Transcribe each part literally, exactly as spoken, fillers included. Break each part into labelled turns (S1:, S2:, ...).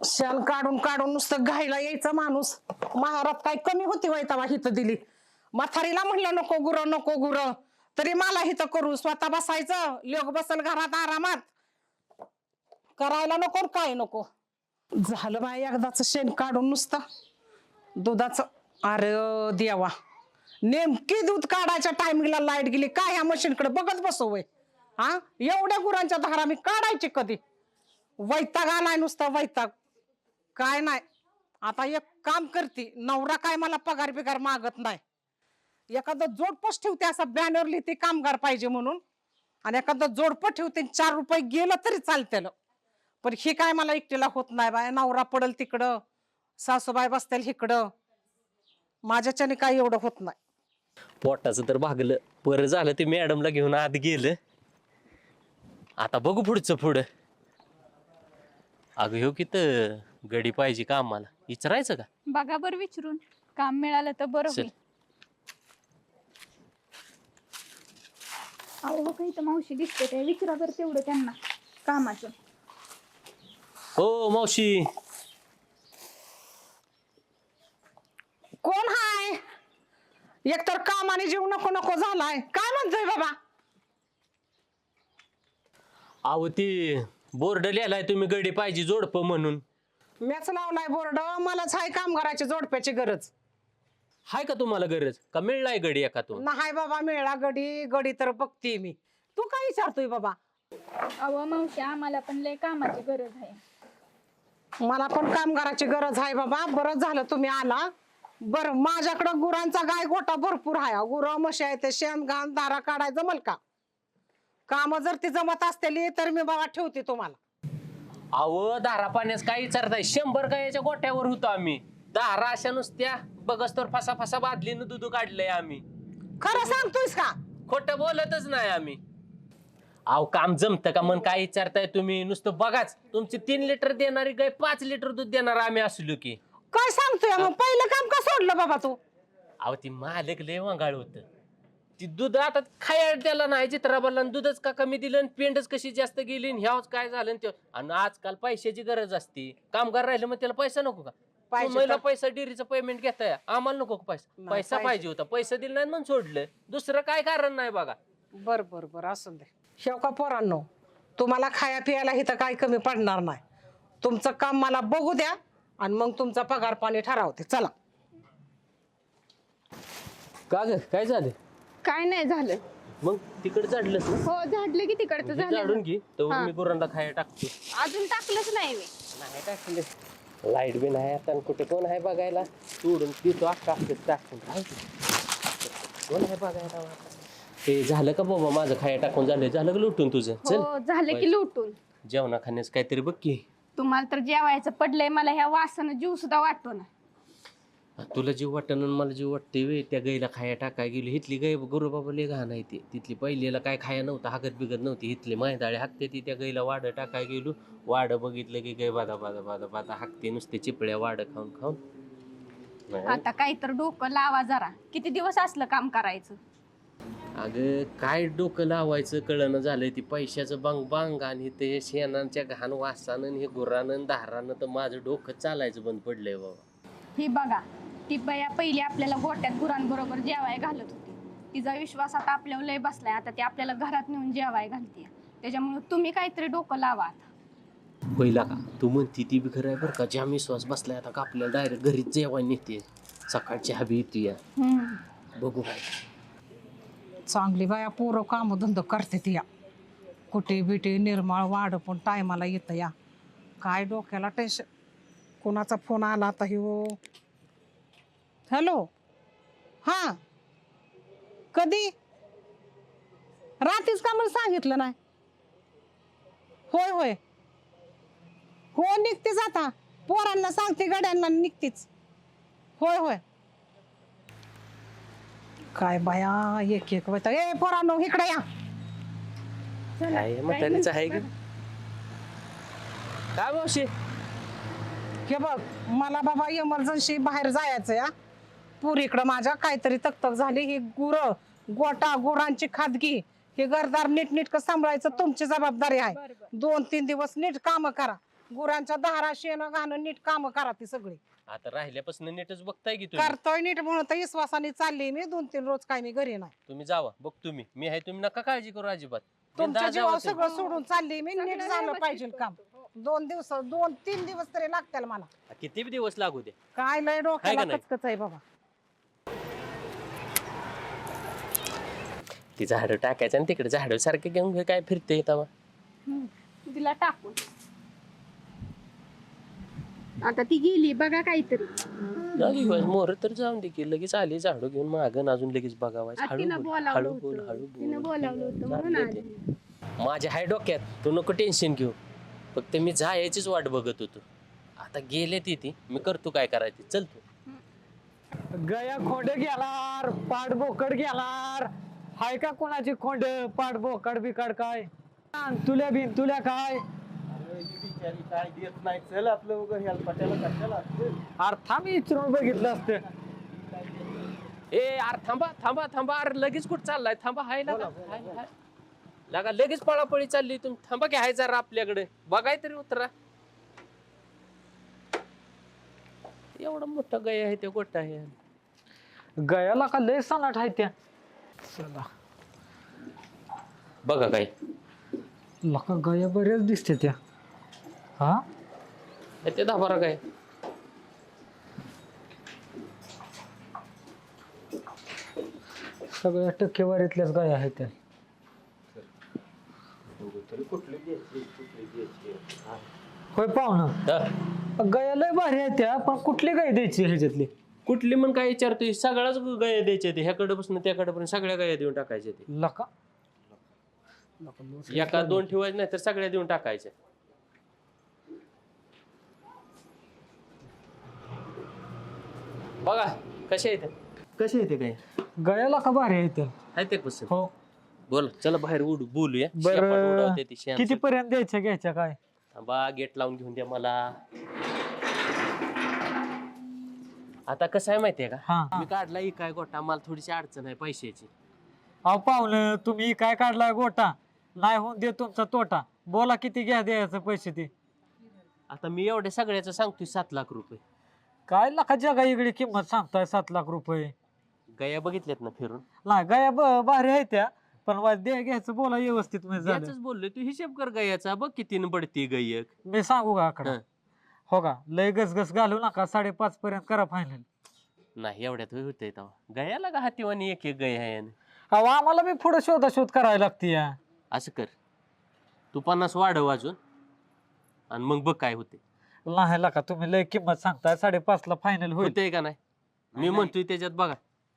S1: शाल काढून काढून नुसतं घायला यायचं माणूस. महारात काय कमी होती वैतावा हिथं दिली. म्हातारीला म्हणलं नको गुर नको गुर, तरी मला हिथं करू. स्वतः बसायचं, लोक बसल घरात आरामात, करायला नको काय नको. झालं बाय एकदाच शेण काढून नुसतं दुधाचं. अरे देवा, नेमकी दूध काढायच्या टायमिंगला लाईट गेली. काय ह्या मशीनकडे बघत बसू वय? हा, एवढ्या गुरांच्या धारा मी काढायची कधी? वैताग आलाय नुसता वैताग. काय नाही, आता एक काम करते. नवरा काय मला पगार बिगार मागत नाही. एखादं जोडपच ठेवते, असं बॅनर लिहिते कामगार पाहिजे म्हणून, आणि एखादं जोडपं ठेवते. चार रुपये गेलं तरी चालतेल, पण हे काय मला एकटीला होत नाही बाय. नवरा पडल तिकडं, सासूबाई बसतील इकडं, माझ्याच्याने काही एवढं होत नाही.
S2: पोटाचं तर भागलं. बरं झालं ते मॅडमला घेऊन आत गेलं. आता बघू पुढचं पुढं. अगं हो की तर गडी पाहिजे का आम्हाला, विचारायचं का?
S3: बघा बरं विचारून, काम मिळालं तर बरं होईल. अहो काही तर मावशी दिसते ते, विचारा बरं तेवढं त्यांना कामाचं.
S2: हो मावशी.
S1: कोण हाय? एकतर कामाने जीव नको नको झालाय. काय म्हणतोय बाबा?
S2: अहो ती बोर्ड लिहिलाय तुम्ही गडी पाहिजे जोडप म्हणून.
S1: मॅच लावलाय बोर्ड. मलाच हाय कामगाराची जोडप्याची गरज.
S2: हाय का तुम्हाला गरज? का मिळलाय गडी एखादून?
S1: नाही बाबा मिळा गडी. गडी तर बघते मी. तू काय विचारतोय बाबा?
S3: अहो मावशी आम्हाला पण लय कामाची गरज आहे.
S1: मला पण कामगाराची गरज आहे बाबा. बरं झालं तुम्ही आला. बर, माझ्याकडं गुरांचा गाय गोटा भरपूर आहे. गुर म्हशी आहे, ते शेण घाण दारा काढाय जमल का? काम जर ती जमत असतेली तर मी बाबा ठेवते तुम्हाला.
S2: अहो धारा पाण्यास काय विचारताय? शंभर गायच्या गोट्यावर होतो आम्ही. धारा अशा नुसत्या बघस तर फसा फसा बादलीनं दूध काढलंय आम्ही.
S1: खरं सांगतोयस का?
S2: खोटं बोलतच नाही आम्ही. अहो काम जमतं का मन काय विचारताय तुम्ही? नुसतं बघाच, तुमची तीन लिटर देणारी गाय पाच लिटर दूध देणार आम्ही असलो की.
S1: काय सांगतोय? मग पहिलं काम का सोडलं बाबा तू?
S2: अहो ती मालक लय वांगाळ होत. ती दूध आता खायला द्याला नाही चित्राबाला, दूधच का कमी दिलं आणि पेंडच कशी जास्त गेली, ह्याच काय झालं ते. आणि आजकाल पैशाची गरज असते. कामगार राहिलं मग त्याला पैसा नको का? तुम्हाला पैसा डेअरीचं पेमेंट घेताय, आम्हाला नको का पैसा? पैसा पाहिजे होता, पैसा दिला नाही म्हणून सोडलं. दुसरं काय कारण नाही बघा.
S1: बर बर बर असू दे. शेव का पोरांनो, तुम्हाला खाया पियाला इथं काय कमी पडणार नाही. तुमचं काम मला बघू द्या आणि मग तुमचा पगार पाणी ठरवते. चला.
S2: का ग काय झालं?
S3: काय नाही झालं.
S2: मग तिकडे चढलं
S3: हो झाडलं की तिकडचं झालं.
S2: झाडून घे तर मी गुरांना खायला टाकतो.
S3: अजून टाकलंच नाही मी.
S2: नाही टाकले. लाईट बी नाही आता, कुठे कोण आहे बघायला? सोडून तिथं अख्खा टाकून कोण आहे बघायला? ते झालं का बाबा माझं खाया टाकून? झालं झालं का लुटून तुझं? चल
S3: हो झालं की लुटून.
S2: जेवणा खाण्याचं काहीतरी बघ की.
S3: तुम्हाला तर जेवायचं पडलंय, मला ह्या वासानं जीव सुद्धा वाटतो ना.
S2: तुला जीव वाटण मला जीव वाटते वे. त्या गाईला खाया टाकाय गेली. हिथली गाय गुरु बाबा लय घाण आहे ती. तिथली पहिलेला काय खाया नव्हतं, हागत बिगत नव्हती. हिथली मैदाळे हाकते ती. त्या गाईला वाड टाकाय गेलो, वाड बघितलं की गाय बादा बादा बादा बादा हाकते नुसते चिपळ्या वाड खाऊन खाऊन.
S3: आता काही तर डोकं लावा जरा. किती दिवस असलं काम करायचं?
S2: अगं काय डोकं लावायचं कळणं झालंय. ती पैशाचं बांग बांग आणि ते शेणांच्या घाण वासानं हे गुरानं धारानं तर माझं डोकं चालायचं बंद पडलंय बाबा.
S3: ही बघा, ती बया पहिली आपल्याला गोट्यात गुरांबरोबर जेवाय घालत होती. तिचा विश्वास आता आपल्यावर लय बसलाय. आता ती आपल्याला घरात नेऊन जेवाय घालते. त्याच्यामुळे तुम्ही काहीतरी डोकं लावा आता.
S2: पहिला का तू म्हणती ती बी खरं आहे बरं का. ज्या विश्वास बसलाय आता का आपल्याला डायरेक्ट घरीच जेवाय नेते. सकाळची हवी येते या. बघू काय.
S1: चांगली बाया पोरं काम धंदा करते ती या. कुठे बिटे निर्माळ वाढ पण टायमाला येतं या. काय डोक्याला टेन्शन. कोणाचा फोन आला आता? हो हॅलो. हां कधी? रात्रीच का मला सांगितलं नाही? होय होय हो निघतेच आता. पोरांना सांगते गड्यांना निघतेच. होय होय. काय बाया एक एक वैताग. ए पोरांनो इकडे या.
S2: काय म्हातारीचं आहे की काय मावशी?
S1: हे बघ मला बाबा इमर्जन्सी बाहेर जायचं या. पुरीकडं माझ्या काहीतरी तकतक झाली. ही गुर गोटा गुरांची खादगी हे घरदार नीट नीट सांभाळायचं तुमची जबाबदारी आहे. दोन तीन दिवस नीट काम करा. गुरांच्या दारा शेण घाणं नीट काम करा ती सगळी.
S2: आता राहिल्यापासून नीटच बघताय की तुम्ही.
S1: करतोय नीट म्हणून तर विश्वासाने चालली मी. दोन तीन रोज काय मी घरी नाही.
S2: तुम्ही जावा बघ तुम्ही मी आहे तुम्ही नका काळजी करू अजिबात.
S1: तुमच्या
S2: बिनधास्त
S1: जीवावर
S2: जावा तुम्ही.
S1: सगळं सोडून चालली मी. नीट
S3: सगळं
S1: झालं
S3: व्यवस्थित
S1: पाहिजे काम. दोन दिवस दोन तीन दिवस तरी लागतील मला.
S2: किती बी दिवस लागू दे.
S1: काय लय डोक्याला
S2: नाही?
S1: कचकच आहे बाबा.
S2: ती झाडं टाकायचं आणि तिकडे झाडं सारखे घेऊन घे काय फिरते तवा.
S3: हम्म. तिला टाकून आता ती गेली बघा काहीतरी.
S2: मोर तर जाऊन दे की लगेच आली झाडू घेऊन मागं अजून लगेच बघावायचं.
S3: आता
S2: हळू
S3: तिनं
S2: बोल
S3: बोलावलं
S2: हळू बोल
S3: होतं
S2: हळू
S3: तिनं
S2: बोल.
S3: बोलावलं होतं म्हणून
S2: चाललंय
S3: आली.
S2: ते. माझ्या हाय डोक्यात तू नको टेन्शन घेऊ. फक्त मी जायचीच वाट बघत होतो. आता गेले ती ती मी करतो काय करायची. चल तू.
S4: गया खोंड गेलार पाड बोकड गेलार. हाय का कोणाची खोंड पाड बोकड बिकड काय तुल्या बिन तुल्या काय
S5: काय देत नाही चल आपलं उगं हेलपाट्याला कशाला
S4: अर्था मी इचरून बघितलं असतं.
S2: ए यार थांबा थांबा थांबा अरे लगेच कुठं चाललाय. थांबा हाय लागा हाय, हाय. लागा लगेच पळापळी चालली तुम्ही. थांबा की हाय जरा आपल्याकडे बघाय तरी उतरा. एवढा मोठा गया आहे ते गोटा आहे.
S4: गयाला का लय सनाट आहे त्या. चला
S2: बघा काय
S4: लका गया बऱ्याच दिसते त्या. हा
S2: ते दहा बारा काय
S4: सगळ्या टक्केवारीतल्याच गया आहेत त्या. होय पाहुणं
S2: हा.
S4: गया लय भारी आहे त्या पण कुठली गाय द्यायची ह्याच्यातली.
S2: कुठली मग काय विचारतोय सगळ्याच गाया द्यायच्या ते ह्याकडे बसून त्याकडे पण सगळ्या गाया देऊन टाकायच्या ते.
S4: लका
S2: एका दोन ठेवायचे नाही तर सगळ्या देऊन टाकायच्या. बघा कशा आहेत कशा येते काय
S4: गयाला का भारी आहे त्या.
S2: आहे ते कसं
S4: हो
S2: बोल चला बाहेर उडू बोलूया.
S4: बरं.
S2: शेपाट उडवते ती शेण.
S4: किती पर्यंत द्यायच्या घ्यायच्या काय.
S2: थांबा गेट लावून घेऊन द्या मला. आता कसं आहे माहितीये का
S4: हा
S2: मी काढला ही काय गोटा मला थोडीशी अडचण आहे पैशाची.
S4: अहो पाहुणं तुम्ही काय काढलाय गोटा नाही होऊन दे तुमचा तोटा. बोला किती घ्या द्यायचं पैसे ते.
S2: आता मी एवढ्या सगळ्याचं सांगतोय सात लाख रुपये.
S4: काय लाखा जगा इकडे किंमत सांगताय सात लाख रुपये.
S2: गया बघितल्यात ना फिरून.
S4: नाही गया ब- भारी आहे त्या पण वा- द्या घ्यायचं बोला व्यवस्थित म्हणजे झालं.
S2: याच बोललोय तू हिशेब कर गयाचा बघ किती पडती गयक.
S4: मी सांगू का आकडा.
S2: हं.
S4: हो का लय गसगस घालू नका साडेपाच पर्यंत करा फायनल.
S2: नाही एवढ्यात होतंय तेव्हा गयाला का हातीवानी एक एक गय आहे.
S4: अहो आम्हाला बी पुढे शोधा शोध करायला लागते या.
S2: असं कर तू पन्नास वाढव अजून आणि मग बघ काय होते.
S4: नाही लाका तुम्ही लय किंमत सांगताय साडेपाच ला फायनल होईल.
S2: होतंय का नाही मी म्हणतोय त्याच्यात बघा.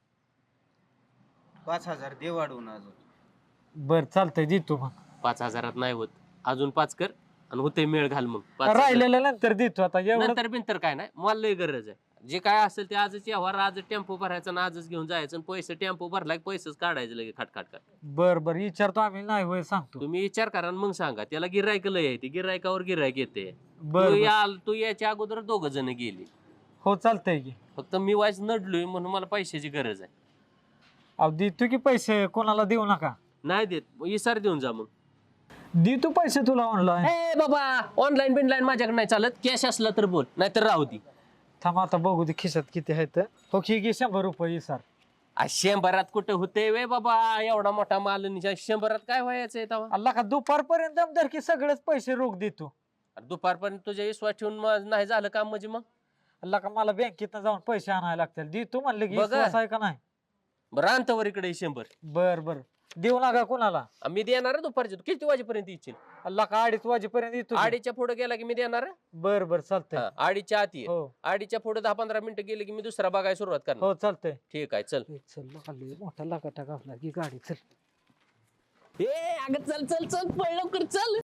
S5: पाच हजार दे वाढवून अजून.
S4: बर चालतंय देतो मग.
S2: पाच हजारात नाही होत अजून पाच कर आणि होते मेळ घाल मग पाच हजार.
S4: राहिलेलं नंतर देतो आता एवढं.
S2: नंतर बिंतर काय नाही मला लय गरज आहे. जे काय असेल ते आजच व्यवहार आज टेम्पो भरायचा आणि आजच घेऊन जायचं आणि पैसे टेम्पो भरला की पैसेच काढायचे लगे खाट खाट खाट.
S4: बर बर विचारतो आम्ही नाही होय सांगतो.
S2: तुम्ही विचार करा आणि मग सांगा. त्याला गिरायक लय आहे ते गिरायकावर गिरायक येते.
S4: बर
S2: तू
S4: बर.
S2: या तू याच्या अगोदर दोघ जण गेली.
S4: हो चालतंय की.
S2: फक्त मी वाईस नडलोय म्हणून मला पैशाची गरज आहे.
S4: अहो देतो की पैसे कोणाला देऊ नका.
S2: नाही देत मग इसार देऊन जा मग.
S4: देतो पैसे तुला ऑनलाईन.
S2: ए बाबा ऑनलाईन बिनलाईन माझ्याकडे नाही चालत. कॅश असला तर बोल नाहीतर राहू दे.
S4: थांब आता बघू दे खिशात किती आहेत. हो की घे शंभर रुपये सर.
S2: आज शंभरात कुठे होते वे बाबा एवढा मोठा माल आणि शंभरात काय व्हायचंय तेव्हा.
S4: अल्ला का दुपारपर्यंत दमदार की सगळेच पैसे रोख देतो.
S2: दुपारपर्यंत तुझ्या विश्वास ठेवून मग नाही झालं काम म्हणजे मग
S4: अल्ला का मला बँकेत जाऊन पैसे आणायला लागतील. देतो म्हणलं की
S2: बघा.
S4: विश्वास आहे का नाही.
S2: बरं आणतो वर इकडे शंभर.
S4: बर बर देऊ नका कोणाला.
S2: मी देणार आहे दुपारचे. तू किती वाजेपर्यंत येशील.
S4: अल्ला का अडीच वाजेपर्यंत येतो की.
S2: आडीच्या पुढे गेला की मी देणार आहे.
S4: बर बर चालतंय.
S2: हा, आडीच्या आत ये.
S4: हो
S2: आडीच्या पुढे दहा पंधरा मिनिटं गेले की मी दुसरा बघायला सुरुवात करणार.
S4: हो चालतंय.
S2: ठीक आहे चल.
S4: ए, चल लका लय मोठा लागाटा घातला की गाडी चल.
S2: ए अगं चल चल चल पळ लवकर चल.